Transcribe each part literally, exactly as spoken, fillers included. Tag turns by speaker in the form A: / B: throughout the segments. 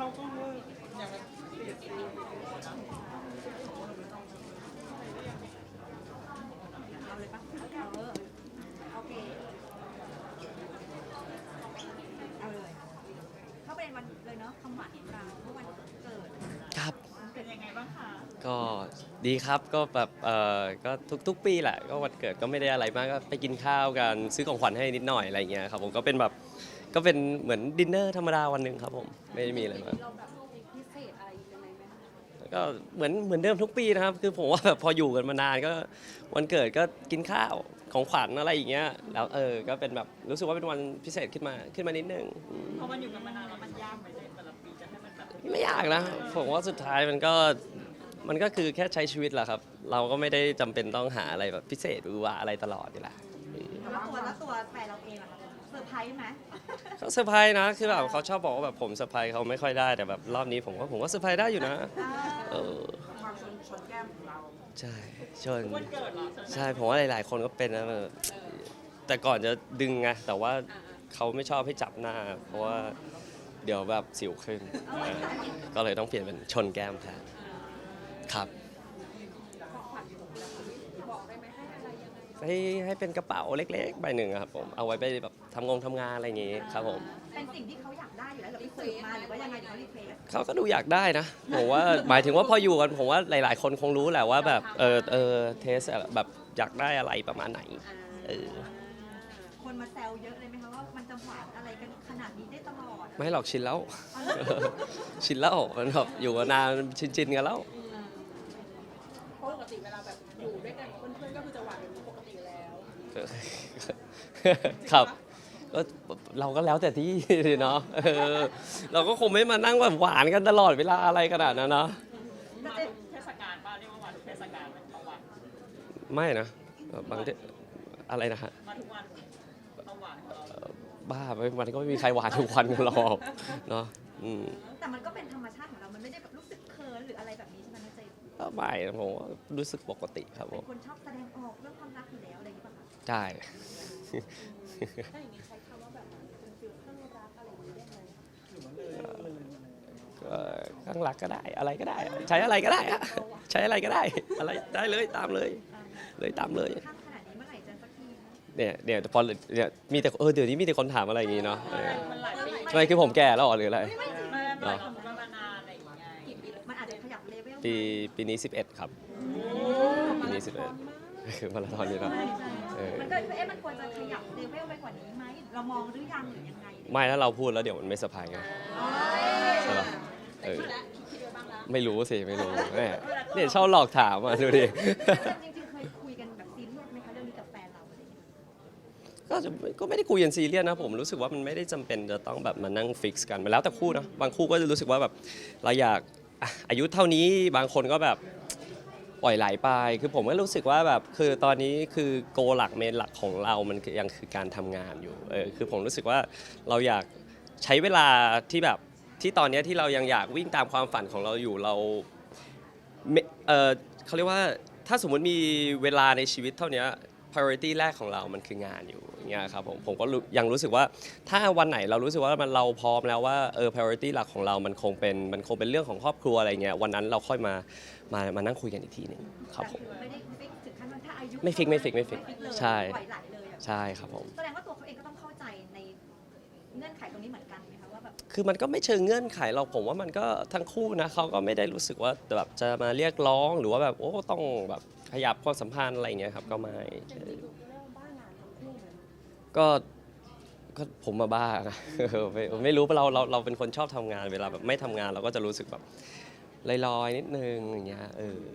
A: ก็เวอร์อย่างแบบ
B: เอาเลยปะเออโอเคเอาเลยเข้าประเด็นวันเลยเนาะคำหวานของเราเมื่อวันเกิด
C: ครับ
B: เป็นยังไงบ้างคะ
C: ก็ดีครับก็แบบเออก็ทุกๆปีแหละก็วันเกิดก็ไม่ได้อะไรมากก็ไปกินข้าวกันซื้อของขวัญให้นิดหน่อยอะไรเงี้ยครับผมก็เป็นแบบก็เป็นเหมือนดินเนอร์ธรรมดาวันหนึ่งครับผมไม่ได้มีอะไรมาก
B: เราแบบพิเศษอะไรยังไงไหมคะ
C: ก็เหมือนเหมือนเดิมทุกปีนะครับคือผมว่าแบบพออยู่กันมานานก็วันเกิดก็กินข้าวของขวัญอะไรอย่างเงี้ยแล้วเออก็เป็นแบบรู้สึกว่าเป็นวันพิเศษขึ้นมาขึ้นมานิดนึงอืม
A: พอมันอยู่กันมานานแล้วมันยากไหมในแต่ละปีจะให้มันแบบ
C: ไม่ยากนะผมว่าสุดท้ายมันก็มันก็คือแค่ใช้ชีวิตแหละครับ เราก็ไม่ได้จำเป็นต้องหาอะไรแบบพิเศษหรือว่าอะไรตลอดอยู่แล้ว
B: แล้วตัวแล้วตัวแฟนเราเองอะคะเซอร์ไพรส์ไหม
C: เขาเซอร์ไพรส์นะคือแบบเขาชอบบอกว่าแบบผมเซอร์ไพรส์เขาไม่ค่อยได้แต่แบบรอบนี้ผมว่าผมก็เซอร์ไพรส์ได้อยู่นะเออ
A: ความชนชนแก้มของเรา
C: ใช่ชน
A: วันเกิดเหรอ
C: ใช่ผมว่าหลาย ๆ คนก็เป็นนะแบบแต่ก่อนจะดึงไงแต่ว่าเขาไม่ชอบให้จับหน้า เพราะว่าเดี๋ยวแบบสิวขึ้นเออก็เลยต้องเปลี่ยนเป็นชนแก้มแทนครับให้ให้เป็นกระเป๋าเล็กๆใบหนึ่งอะครับผมเอาไว้ไปแบบทำงงทำงานอะไรอย่างงี้ครับผม
B: เป็นสิ่งที่เขาอยากได้อยู่แล้วหรือไปสืบมาหรือว่ายังไงหรือเขารีเควส
C: เขาก็ดูอยากได้นะผมว่าหมายถึงว่าพออยู่กันผมว่าหลาย ๆ คนคงรู้แหละว่าแบบเออเออเทสแบบอยากได้อะไรประมาณไหนเออ
B: คนมาแซวเยอะเลยไหมคะว่ามันจะหวานอะไรกันขนาดนี้ได้ตลอด
C: ไม่หรอกชินแล้ว ชินแล้วมันแบบอยู่มานานชินๆกันแล้ว
A: เพราะปกติเวลาแบบอยู่ด้วยกันกับเพื่อนๆก็คือจะหวานเป็นปกติอยู่แล้ว
C: ครับก็เราก็แล้วแต่ที่เนาะเออเราก็คงไม่มานั่งแบบหวานกันตลอดเวลาอะไรขนาดนั้นเนาะ
A: มาทุกเทศกาลป่ะเรียกว่ามาทุกเทศกาลเป็นต้องหวาน
C: ไม่นะบางทีอะไรนะฮะ
A: มาทุกวันต้องหวานของเรา
C: บ้าไปมันก็ไม่มีใครหวานทุกวันกันหรอกเนาะอืม
B: แต่มันก็เป็นธรรมชาติของเรา มันไม่ได้แบบรู้สึกเคินหรืออะไรแบบนี้ใช่ไหมน้าเจมส์
C: ก็ไม่นะผมว่ารู้สึกปกติครับผ
B: เป็น
C: ม
B: คนชอบแสดงออกเรื่องความรักอยู่แล้วอะไรอย่างนี้ป่ะคะ
C: ใช่
B: ถ้าอย่างนี้ใช้คำว่าแบบเป็นฟิลเครื่องรักอะไรอย่างนี้ได้ไหม
C: ก็ข้างหลักก็ได้อะไรก็ได้ ใช้อะไรก็ได้อะใช้อะไรก็ได้ อะไรได้เลยตามเลย เลยตามเลย
B: ข้างขนาดนี้เมื่อไหร่จะสักทีนะ
C: เนี่ยเนี่ยพอเนี่ยมีแต่เออเดี๋ยวนี้มีแต่คนถามอะไรอย่างงี้เนาะเออ
A: มันหลายปี
C: ทำไมคือผมแก่แล้วเหรอหรืออะไร
A: ไม่ไม่หลายคนมานานอะไรอย่างเงี้ย
B: กี่ปีแล้วมันอาจจะขยับเลเวล
C: ปีปีนี้สิบเอ็ดครับปีนี้สิบเอ็ดคือมาราธอนนี่เนาะ
B: ใช่ใช่
C: เออ
B: มันก็เอ๊ะมันควรจะขยับเลเวลไปกว่านี้ไหมเรามองหรือยังหรือยังไง
C: ไม่ถ้าเราพูดแล้วเดี๋ยวมันไม่สะพายไงใช่ปะเออไม่รู้สิไม่รู้แม่เนี่ยชอบหลอกถามอ่ะดูดิ
B: จริงๆเคยคุยกันแบบซีเรียสไหมคะเรื่องนี้กับแฟนเราอะไรอย่างเงี้ย
C: ก็จะก็ไม่ได้คุยกันซีเรียสนะผมรู้สึกว่ามันไม่ได้จำเป็นจะต้องแบบมานั่งฟิกซ์กันมันแล้วแต่คู่นะบางคู่ก็จะรู้สึกว่าแบบเราอยากอ่ะอายุเท่านี้บางคนก็แบบปล่อยไหลไปคือผมก็รู้สึกว่าแบบคือตอนนี้คือโกหลักเมนหลักของเรามันยังคือการทำงานอยู่เออคือผมรู้สึกว่าเราอยากใช้เวลาที่แบบที่ตอนนี้ที่เรายังอยากวิ่งตามความฝันของเราอยู่เราไม่เออเขาเรียกว่าถ้าสมมติมีเวลาในชีวิตเท่านี้ priority แรกของเรามันคืองานอยู่อย่างเงี้ยครับผมผมก็รู้ยังรู้สึกว่าถ้าวันไหนเรารู้สึกว่ามันเราพร้อมแล้วว่าเออ priority หลักของเรามันคงเป็นมันคงเป็นเรื่องของครอบครัวอะไรเงี้ยวันนั้นเราค่อยมามามานั่งคุยกันอีกทีหนึ่งครับผม
B: ไม่ได้ฟิกถึงขั้นว่าถ้าอายุ
C: ไม่ฟิกไม่ฟิกไม่ฟิก
B: เลย
C: ใช่
B: ปล่อยไหลเลยอะ
C: ใช่ครับผม
B: แสดงว่าตัวเขาเองก็ต้องเข้าใจในเงื่อนไขตรงนี้เหมือนกันไหมคะว่าแบบ
C: คือมันก็ไม่เชิงเงื่อนไขเราผมว่ามันก็ทั้งคู่นะเขาก็ไม่ได้รู้สึกว่าแบบจะมาเรียกร้องหรือว่าแบบโอ้ต้องแบบขยับความสัมพันธ์อะไรเงี้ยครับก็ไม่ก็ก็ผมมาบ้านะ ไม่ไม่รู้เราเราเราเป็นคนชอบทำงานเวลาแบบไม่ทำงานเราก็จะรู้สึกแบบลอยๆนิดนึงอย่างเงี้ยเออ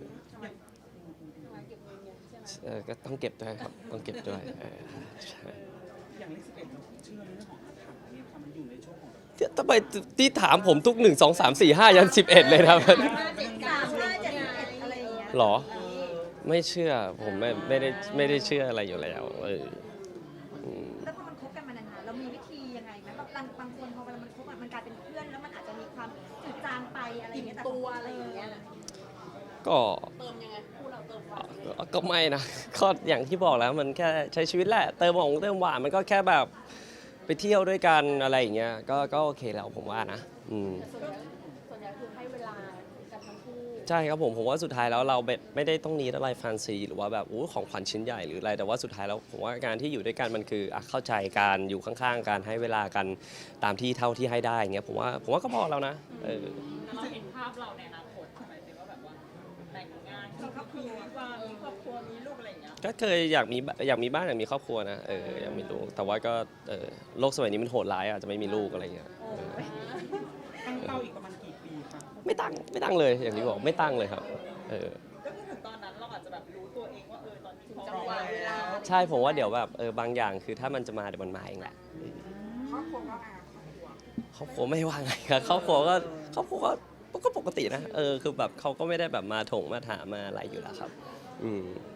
C: เออก็ต้องเก็บด้วยครับต้องเก็บด้วยเออใช่
A: อย่างเลขสิบเอ็ดเราเชื่อในเรื่องของอาถรรพ์เนี่ยค่ะมันอยู่ในช่วงของแบบ
C: ทำไมที่ถามผมทุกหนึ่งสองสามสี่ห้ายันสิบเอ็ดเลยนะ
B: ห้าเจ็ดสามห้าเจ็ดเอ็ดอะไรอย่างเงี้ย
C: หรอ ไม่เชื่อผมไม่ไม่ได้ไม่ได้เชื่ออะไรอยู่แล้วเอออืม
B: แล้วพอมันคบกันมานานๆเรามีวิธียังไงไหมแบบบางบางคนพอเวลามันคบอะมันกลายเป็นเพื่อนแล้วมันอาจจะมีความจืดจางไปอะไรอย่างเงี้ยแต่ตัวอะไรอย่างเงี้ย
C: ก็
B: เติมยังไงคู่เราเติมความ
C: ก็ไม่นะ ก็อย่างที่บอกแล้วมันแค่ใช้ชีวิตแหละเติมของเติมหวานมันก็แค่แบบไปเที่ยวด้วยกันอะไรอย่างเงี้ยก็ก็โอเคแล้วผมว่านะอืม
B: ส
A: นี้คือให้เวลากันทั้งคู่
C: ใช่ครับผมผมว่าสุดท้ายแล้วเราไม่ไม่ได้ต้องนี้อะไรแฟนซีหรือว่าแบบอู้ของขวัญชิ้นใหญ่หรืออะไรแต่ว่าสุดท้ายแล้วผมว่าการที่อยู่ด้วยกันมันคืออ่ะเข้าใจการอยู่ข้างๆการให้เวลากันตามที่เท่าที่ให้ได้อย่างเงี้ยผมว่าผมว่าก็พอแล้วนะเออ
D: เราเห็นภาพเราในอนาคตใช่ไหมที่ว่าแบบว่าแต่งงานมีครอบครัวว่ามีครอบครัวมีลูกอะไรอย่างเงี้ย
C: ก็เคยอยากมีอยากมีบ้านอยากมีครอบครัวนะเอออยากมีลูกแต่ว่าก็เออโลกสมัยนี้มันโหดร้ายอ่ะจะไม่มีลูกอะไรเงี้ยเออ
D: ตั้งเป้าอีกประมาณกี่ปีคะ
C: ไม่ตั้งไม่ตั้งเลยอย่างที่บอกไม่ตั้งเลยครับเออ
D: ก็คือถึงตอนนั้นเราอาจจะแบบรู้ตัวเองว่าเออตอนนี้พร้อม
A: จังหวะเวลา
C: ใช่ผมว่าเดี๋ยวแบบเออบางอย่างคือถ้ามันจะมาเดี๋ยวมันมาเองแหละ
D: ครอบครัวก็อาครอบครัว
C: ครอบครัวไม่ว่าไงครับครอบครัวก็ครอบครัวก็ก็ปกตินะเออคือแบบเขาก็ไม่ได้แบบมาถงมาถามมาอะไรอยู่แล้วครับอืม
D: แ